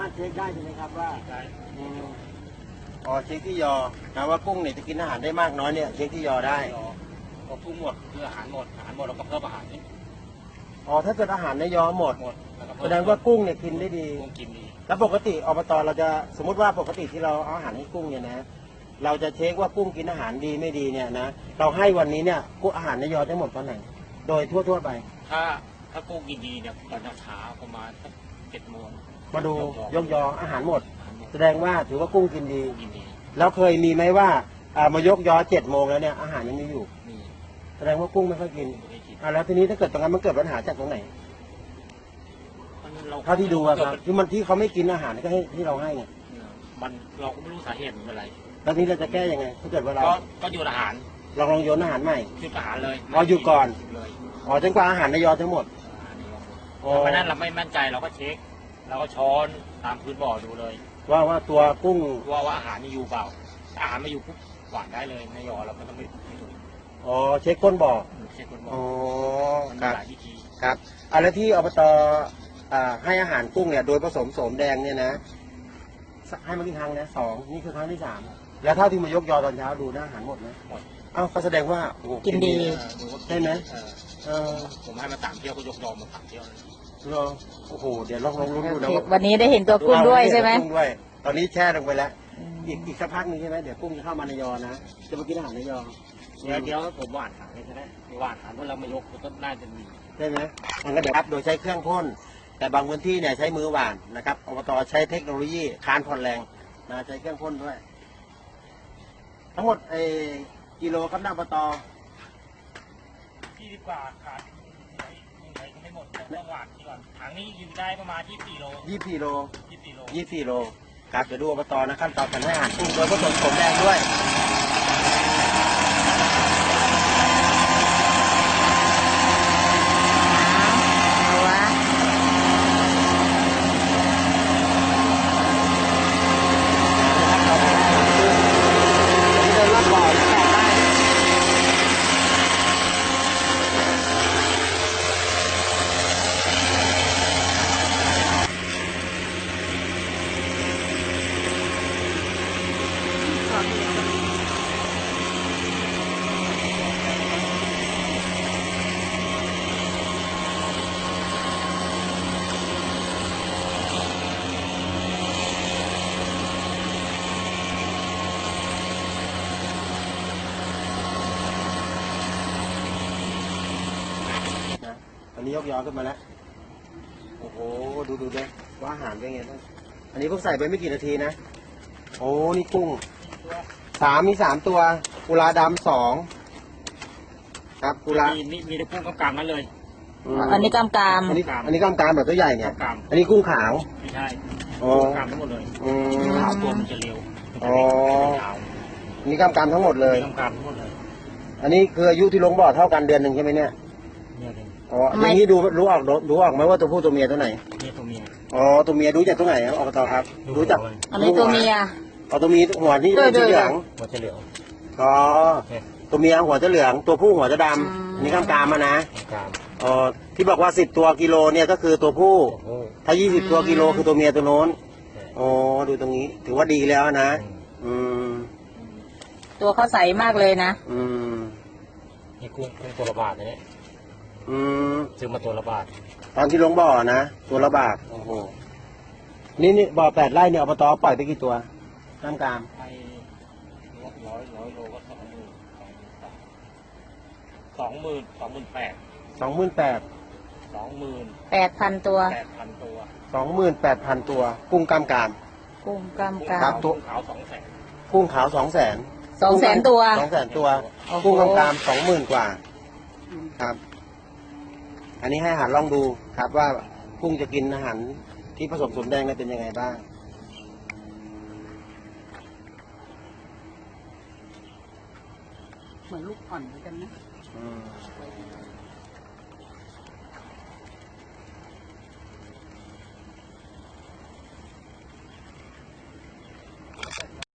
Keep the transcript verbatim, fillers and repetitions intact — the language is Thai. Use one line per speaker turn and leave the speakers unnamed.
ถเช็คได้ใช่ไหมครับว่า
ได้
อืมอ๋อเช็คที่ยอนะว่ากุ้งเนี่ยจะกินอาหารได้มากน้อยเนี่ยเช็คที่ยอได้
พอกุ้งหมดคืออาหารหมดอาหารหมดเราก็เพิ่มอาหารนี่
อ๋อถ้าเกิดอาหารในยอหมด
หมดแล้วก็
แส
เพิ่ม
ดงว่ากุ้งเนี่ยกินได้ดี
กุ้งกินดี
แล้วปกติอบตเราจะสมมติว่าปกติที่เราเอาอาหารให้กุ้งเนี่ยนะเราจะเช็คว่ากุ้งกินอาหารดีไม่ดีเนี่ยนะเราให้วันนี้เนี่ยกุ้งอาหารในยอได้หมดตอนไหนโดยทั่วๆไป
ถ้าถ้ากุ้งกินดีเนี่ยตอนเช้าประมาณสักเจ็ดโมง
มาดูยกยออาหารหมด
อาหารหมด
แสดงว่าถือว่ากุ้งกินดี
กุ้งกินดี
แล้วเคยมีไหมว่าอ่ามายกยอเจ็ดโมงแล้วเนี่ยอาหารยังมีอยู่
มี
แสดงว่ากุ้งไม่ค่อยกิน
ไม่ได้กิน
อ่าแล้วทีนี้ถ้าเกิดตรงนั้นมันเกิดปัญหาจากตรงไหน
มันเรา
เท่าที่ดูอะครับที่มันที่เขาไม่กินอาหารก็ให้ที่เราให้เนี่ย
มันเราก็ไม่รู้สาเหตุมันเป็นอะไร
แล้วทีนี้เราจะแก้ยังไงถ้าเกิดว่าเรา
ก็ก็หยุดอาหาร
ลองลองโยนอาหารใหม่
หยุดอาหารเลย
อ๋อหยุดก่อน
เลย
อ๋อจนกว่าอาหารในยอทั้งหมด
อาหารในยอหมด
อ๋อ
เพราะฉะนั้นเราไม่มั่นใจเราก็เช็คเราก็ช้อนตามพื้นบ่อดูเลย
ว่าว่าตัวกุ้ง
ว่าว่าอาหารนี่อยู่เปล่าถ้าอาหารไม่อยู่ปุ๊บหวานได้เลยในยอเราก็ต้องไม่ไม่ถูก
อ๋อเช็คก้นบ่อ
เช็คคนบ่อ
อ๋อ
มัน
ค
มี
รับ
หลายวิธี
ครับอ่าแล้วที่อบตอ่าให้อาหารกุ้งเนี่ยโดยผสมโสมแดงเนี่ยนะให้มากี่ครั้งนะสองนี่คือครั้งที่สามแล้วเท่าที่มายกยอตอนเช้าดูนะอาหารหมดนะ
หมด
เอ้าก็แสดงว่าโอ้โห
กินดี
เออดูว่า
ได้ไหม
เออ
เออ
ผมให้มาสามเที่ยวก็ยกยอมมาสามเที่ยวเลย
เหรอโอ้โหเดี๋ยวลองลองลุ้นดูนะว่า
วันนี้ได้เห็นตัวกุ้งด้วยใช่ไหม
กุ้งด้วยตอนนี้แช่ลงไปแล้ว อีกอีกสักพักหนึงใช่ไหมเดี๋ยวกุ้งจะเข้ามาในยอนะจะมากินอาหารในยอ
เดี๋ยวเดี๋ยวผมหวานหางให้ก็ได้หวานหางเมื่อเรามายกก็น่าจะมี
ได้ไหมมันก็เดี๋ยวครับโดยใช้เครื่องพ่นแต่บางพื้นที่เนี่ยใช้มือหว่านนะครับอบตใช้เทคโนโลยีคานผ่อนแรงนะใช้เครื่องพ่นด้วย ทั้งหมดเออกิโลครับหน้าอบต
ยี่สิบกว่าขาดยังไงก็ไม่หมดต้องหวานที่ก่อนถังนี้อยู่ได้ประมาณยี่สิบสี่โล
ยี่สิบสี่โล
ยี่สิบสี่โล
ยี่สิบสี่โลครับเดี๋ยวดูอบตนะขั้นตอนการให้อาหารกุ้งโดยผสมโสมแดงด้วยเดินรอบบ่อนะแตกได้ นะตอนนี้ยกยอขึ้นมาแล้ว โอ้โห ดูดูเลยว่าอาหารเป็นไงบ้างอันนี้เพิ่งใส่ไปไม่กี่นาทีนะ โอ้ นี่กุ้ง สามมีสามตัว กุลาดำสอง ครับ กุลา
มีมีมีแต่กุ้งกำกำนั้นเลย
ม
อันนี้กำกาม
อันนี้อันนี้กล้ามกรามแบบตัวใหญ่เนี่ย
กำก
อันนี้กุ้งขาว
ไม่ใช่
อ๋อ
กำทั้งหมดเลย
อืม
ขาวตัวมันจะเร็วมันจะ
อ๋อ
เล็กยาว
อันนี้กล้ามกรามทั้งหมดเลย
กำกำทั้งหมดเลย
อันนี้คืออายุที่ลงบ่อเท่ากันเดือนหนึ่งใช่ไหมเนี่ย
เนี่ยเลย
อ๋ออย่างนี้ดูรู้ออกรู้ออกไหมว่าตัวผู้ตัวเมียตัวไหน
เนี่ยตัวเมีย
อ๋อ ตัวเมียดูจากตัวไหนครับอบตครับ รู้จัก
อันนี้ตัวเมีย
อ๋อตัวเมียหัวที่
ด้วย
สีเหลือง
หัวจะเหลือง
อ๋อ
เนี่ย
ตัวเมียหัวจะเหลือง ตัวผู้หัวจะด
อืม
ำอันนี้กล้ามกรามมานะ
กำ
อ๋อที่บอกว่าสิบตัวกิโลเนี่ยก็คือตัวผู้
โอ้โห
ถ้ายี่สิบตัวกิโลคือตัวเมียตัวโน้นอ๋อดูตรงนี้ ถือว่าดีแล้วนะ อืม
ตัวเขาใสมากเลยนะ
อืม
นี่กุ้งกุ้งตัวละบาทนะเนี่ย
อืม
ซื้อมาตัวละบาท
ตอนที่ลงบ่อนะ ตัวละบาทโอ้โห นี่นี่บ่อแปดไร่เนี่ยอบตปล่อยไปกี่ตัวกล้ามกราม
ไปร้อยร้อยโลก็สองหมื่นสองหมื่นสองหมื่นแปด
สองหมื่นแปด
สองหมื่น
แปดพันตัว
แปดพันตัว
สองหมื่นแปดพันตัว กุ้งกล้ามกราม
กุ้งกำกา
ครั
ม
บ
กุ้งขาวสองแสน
กุ้งขาวสองแสน
สองแสนตัว
สองแสนตัว
โอ้โห
กุ้งกล้ามกรามสองหมื่นกว่า ครับ อันนี้ให้อาหารลองดูครับว่ากุ้งจะกินอาหารที่ผสมสมแดงเนี่ยเป็นยังไงบ้าง
เหมือนลูกอ่อนเหมือนกันนะ
อืม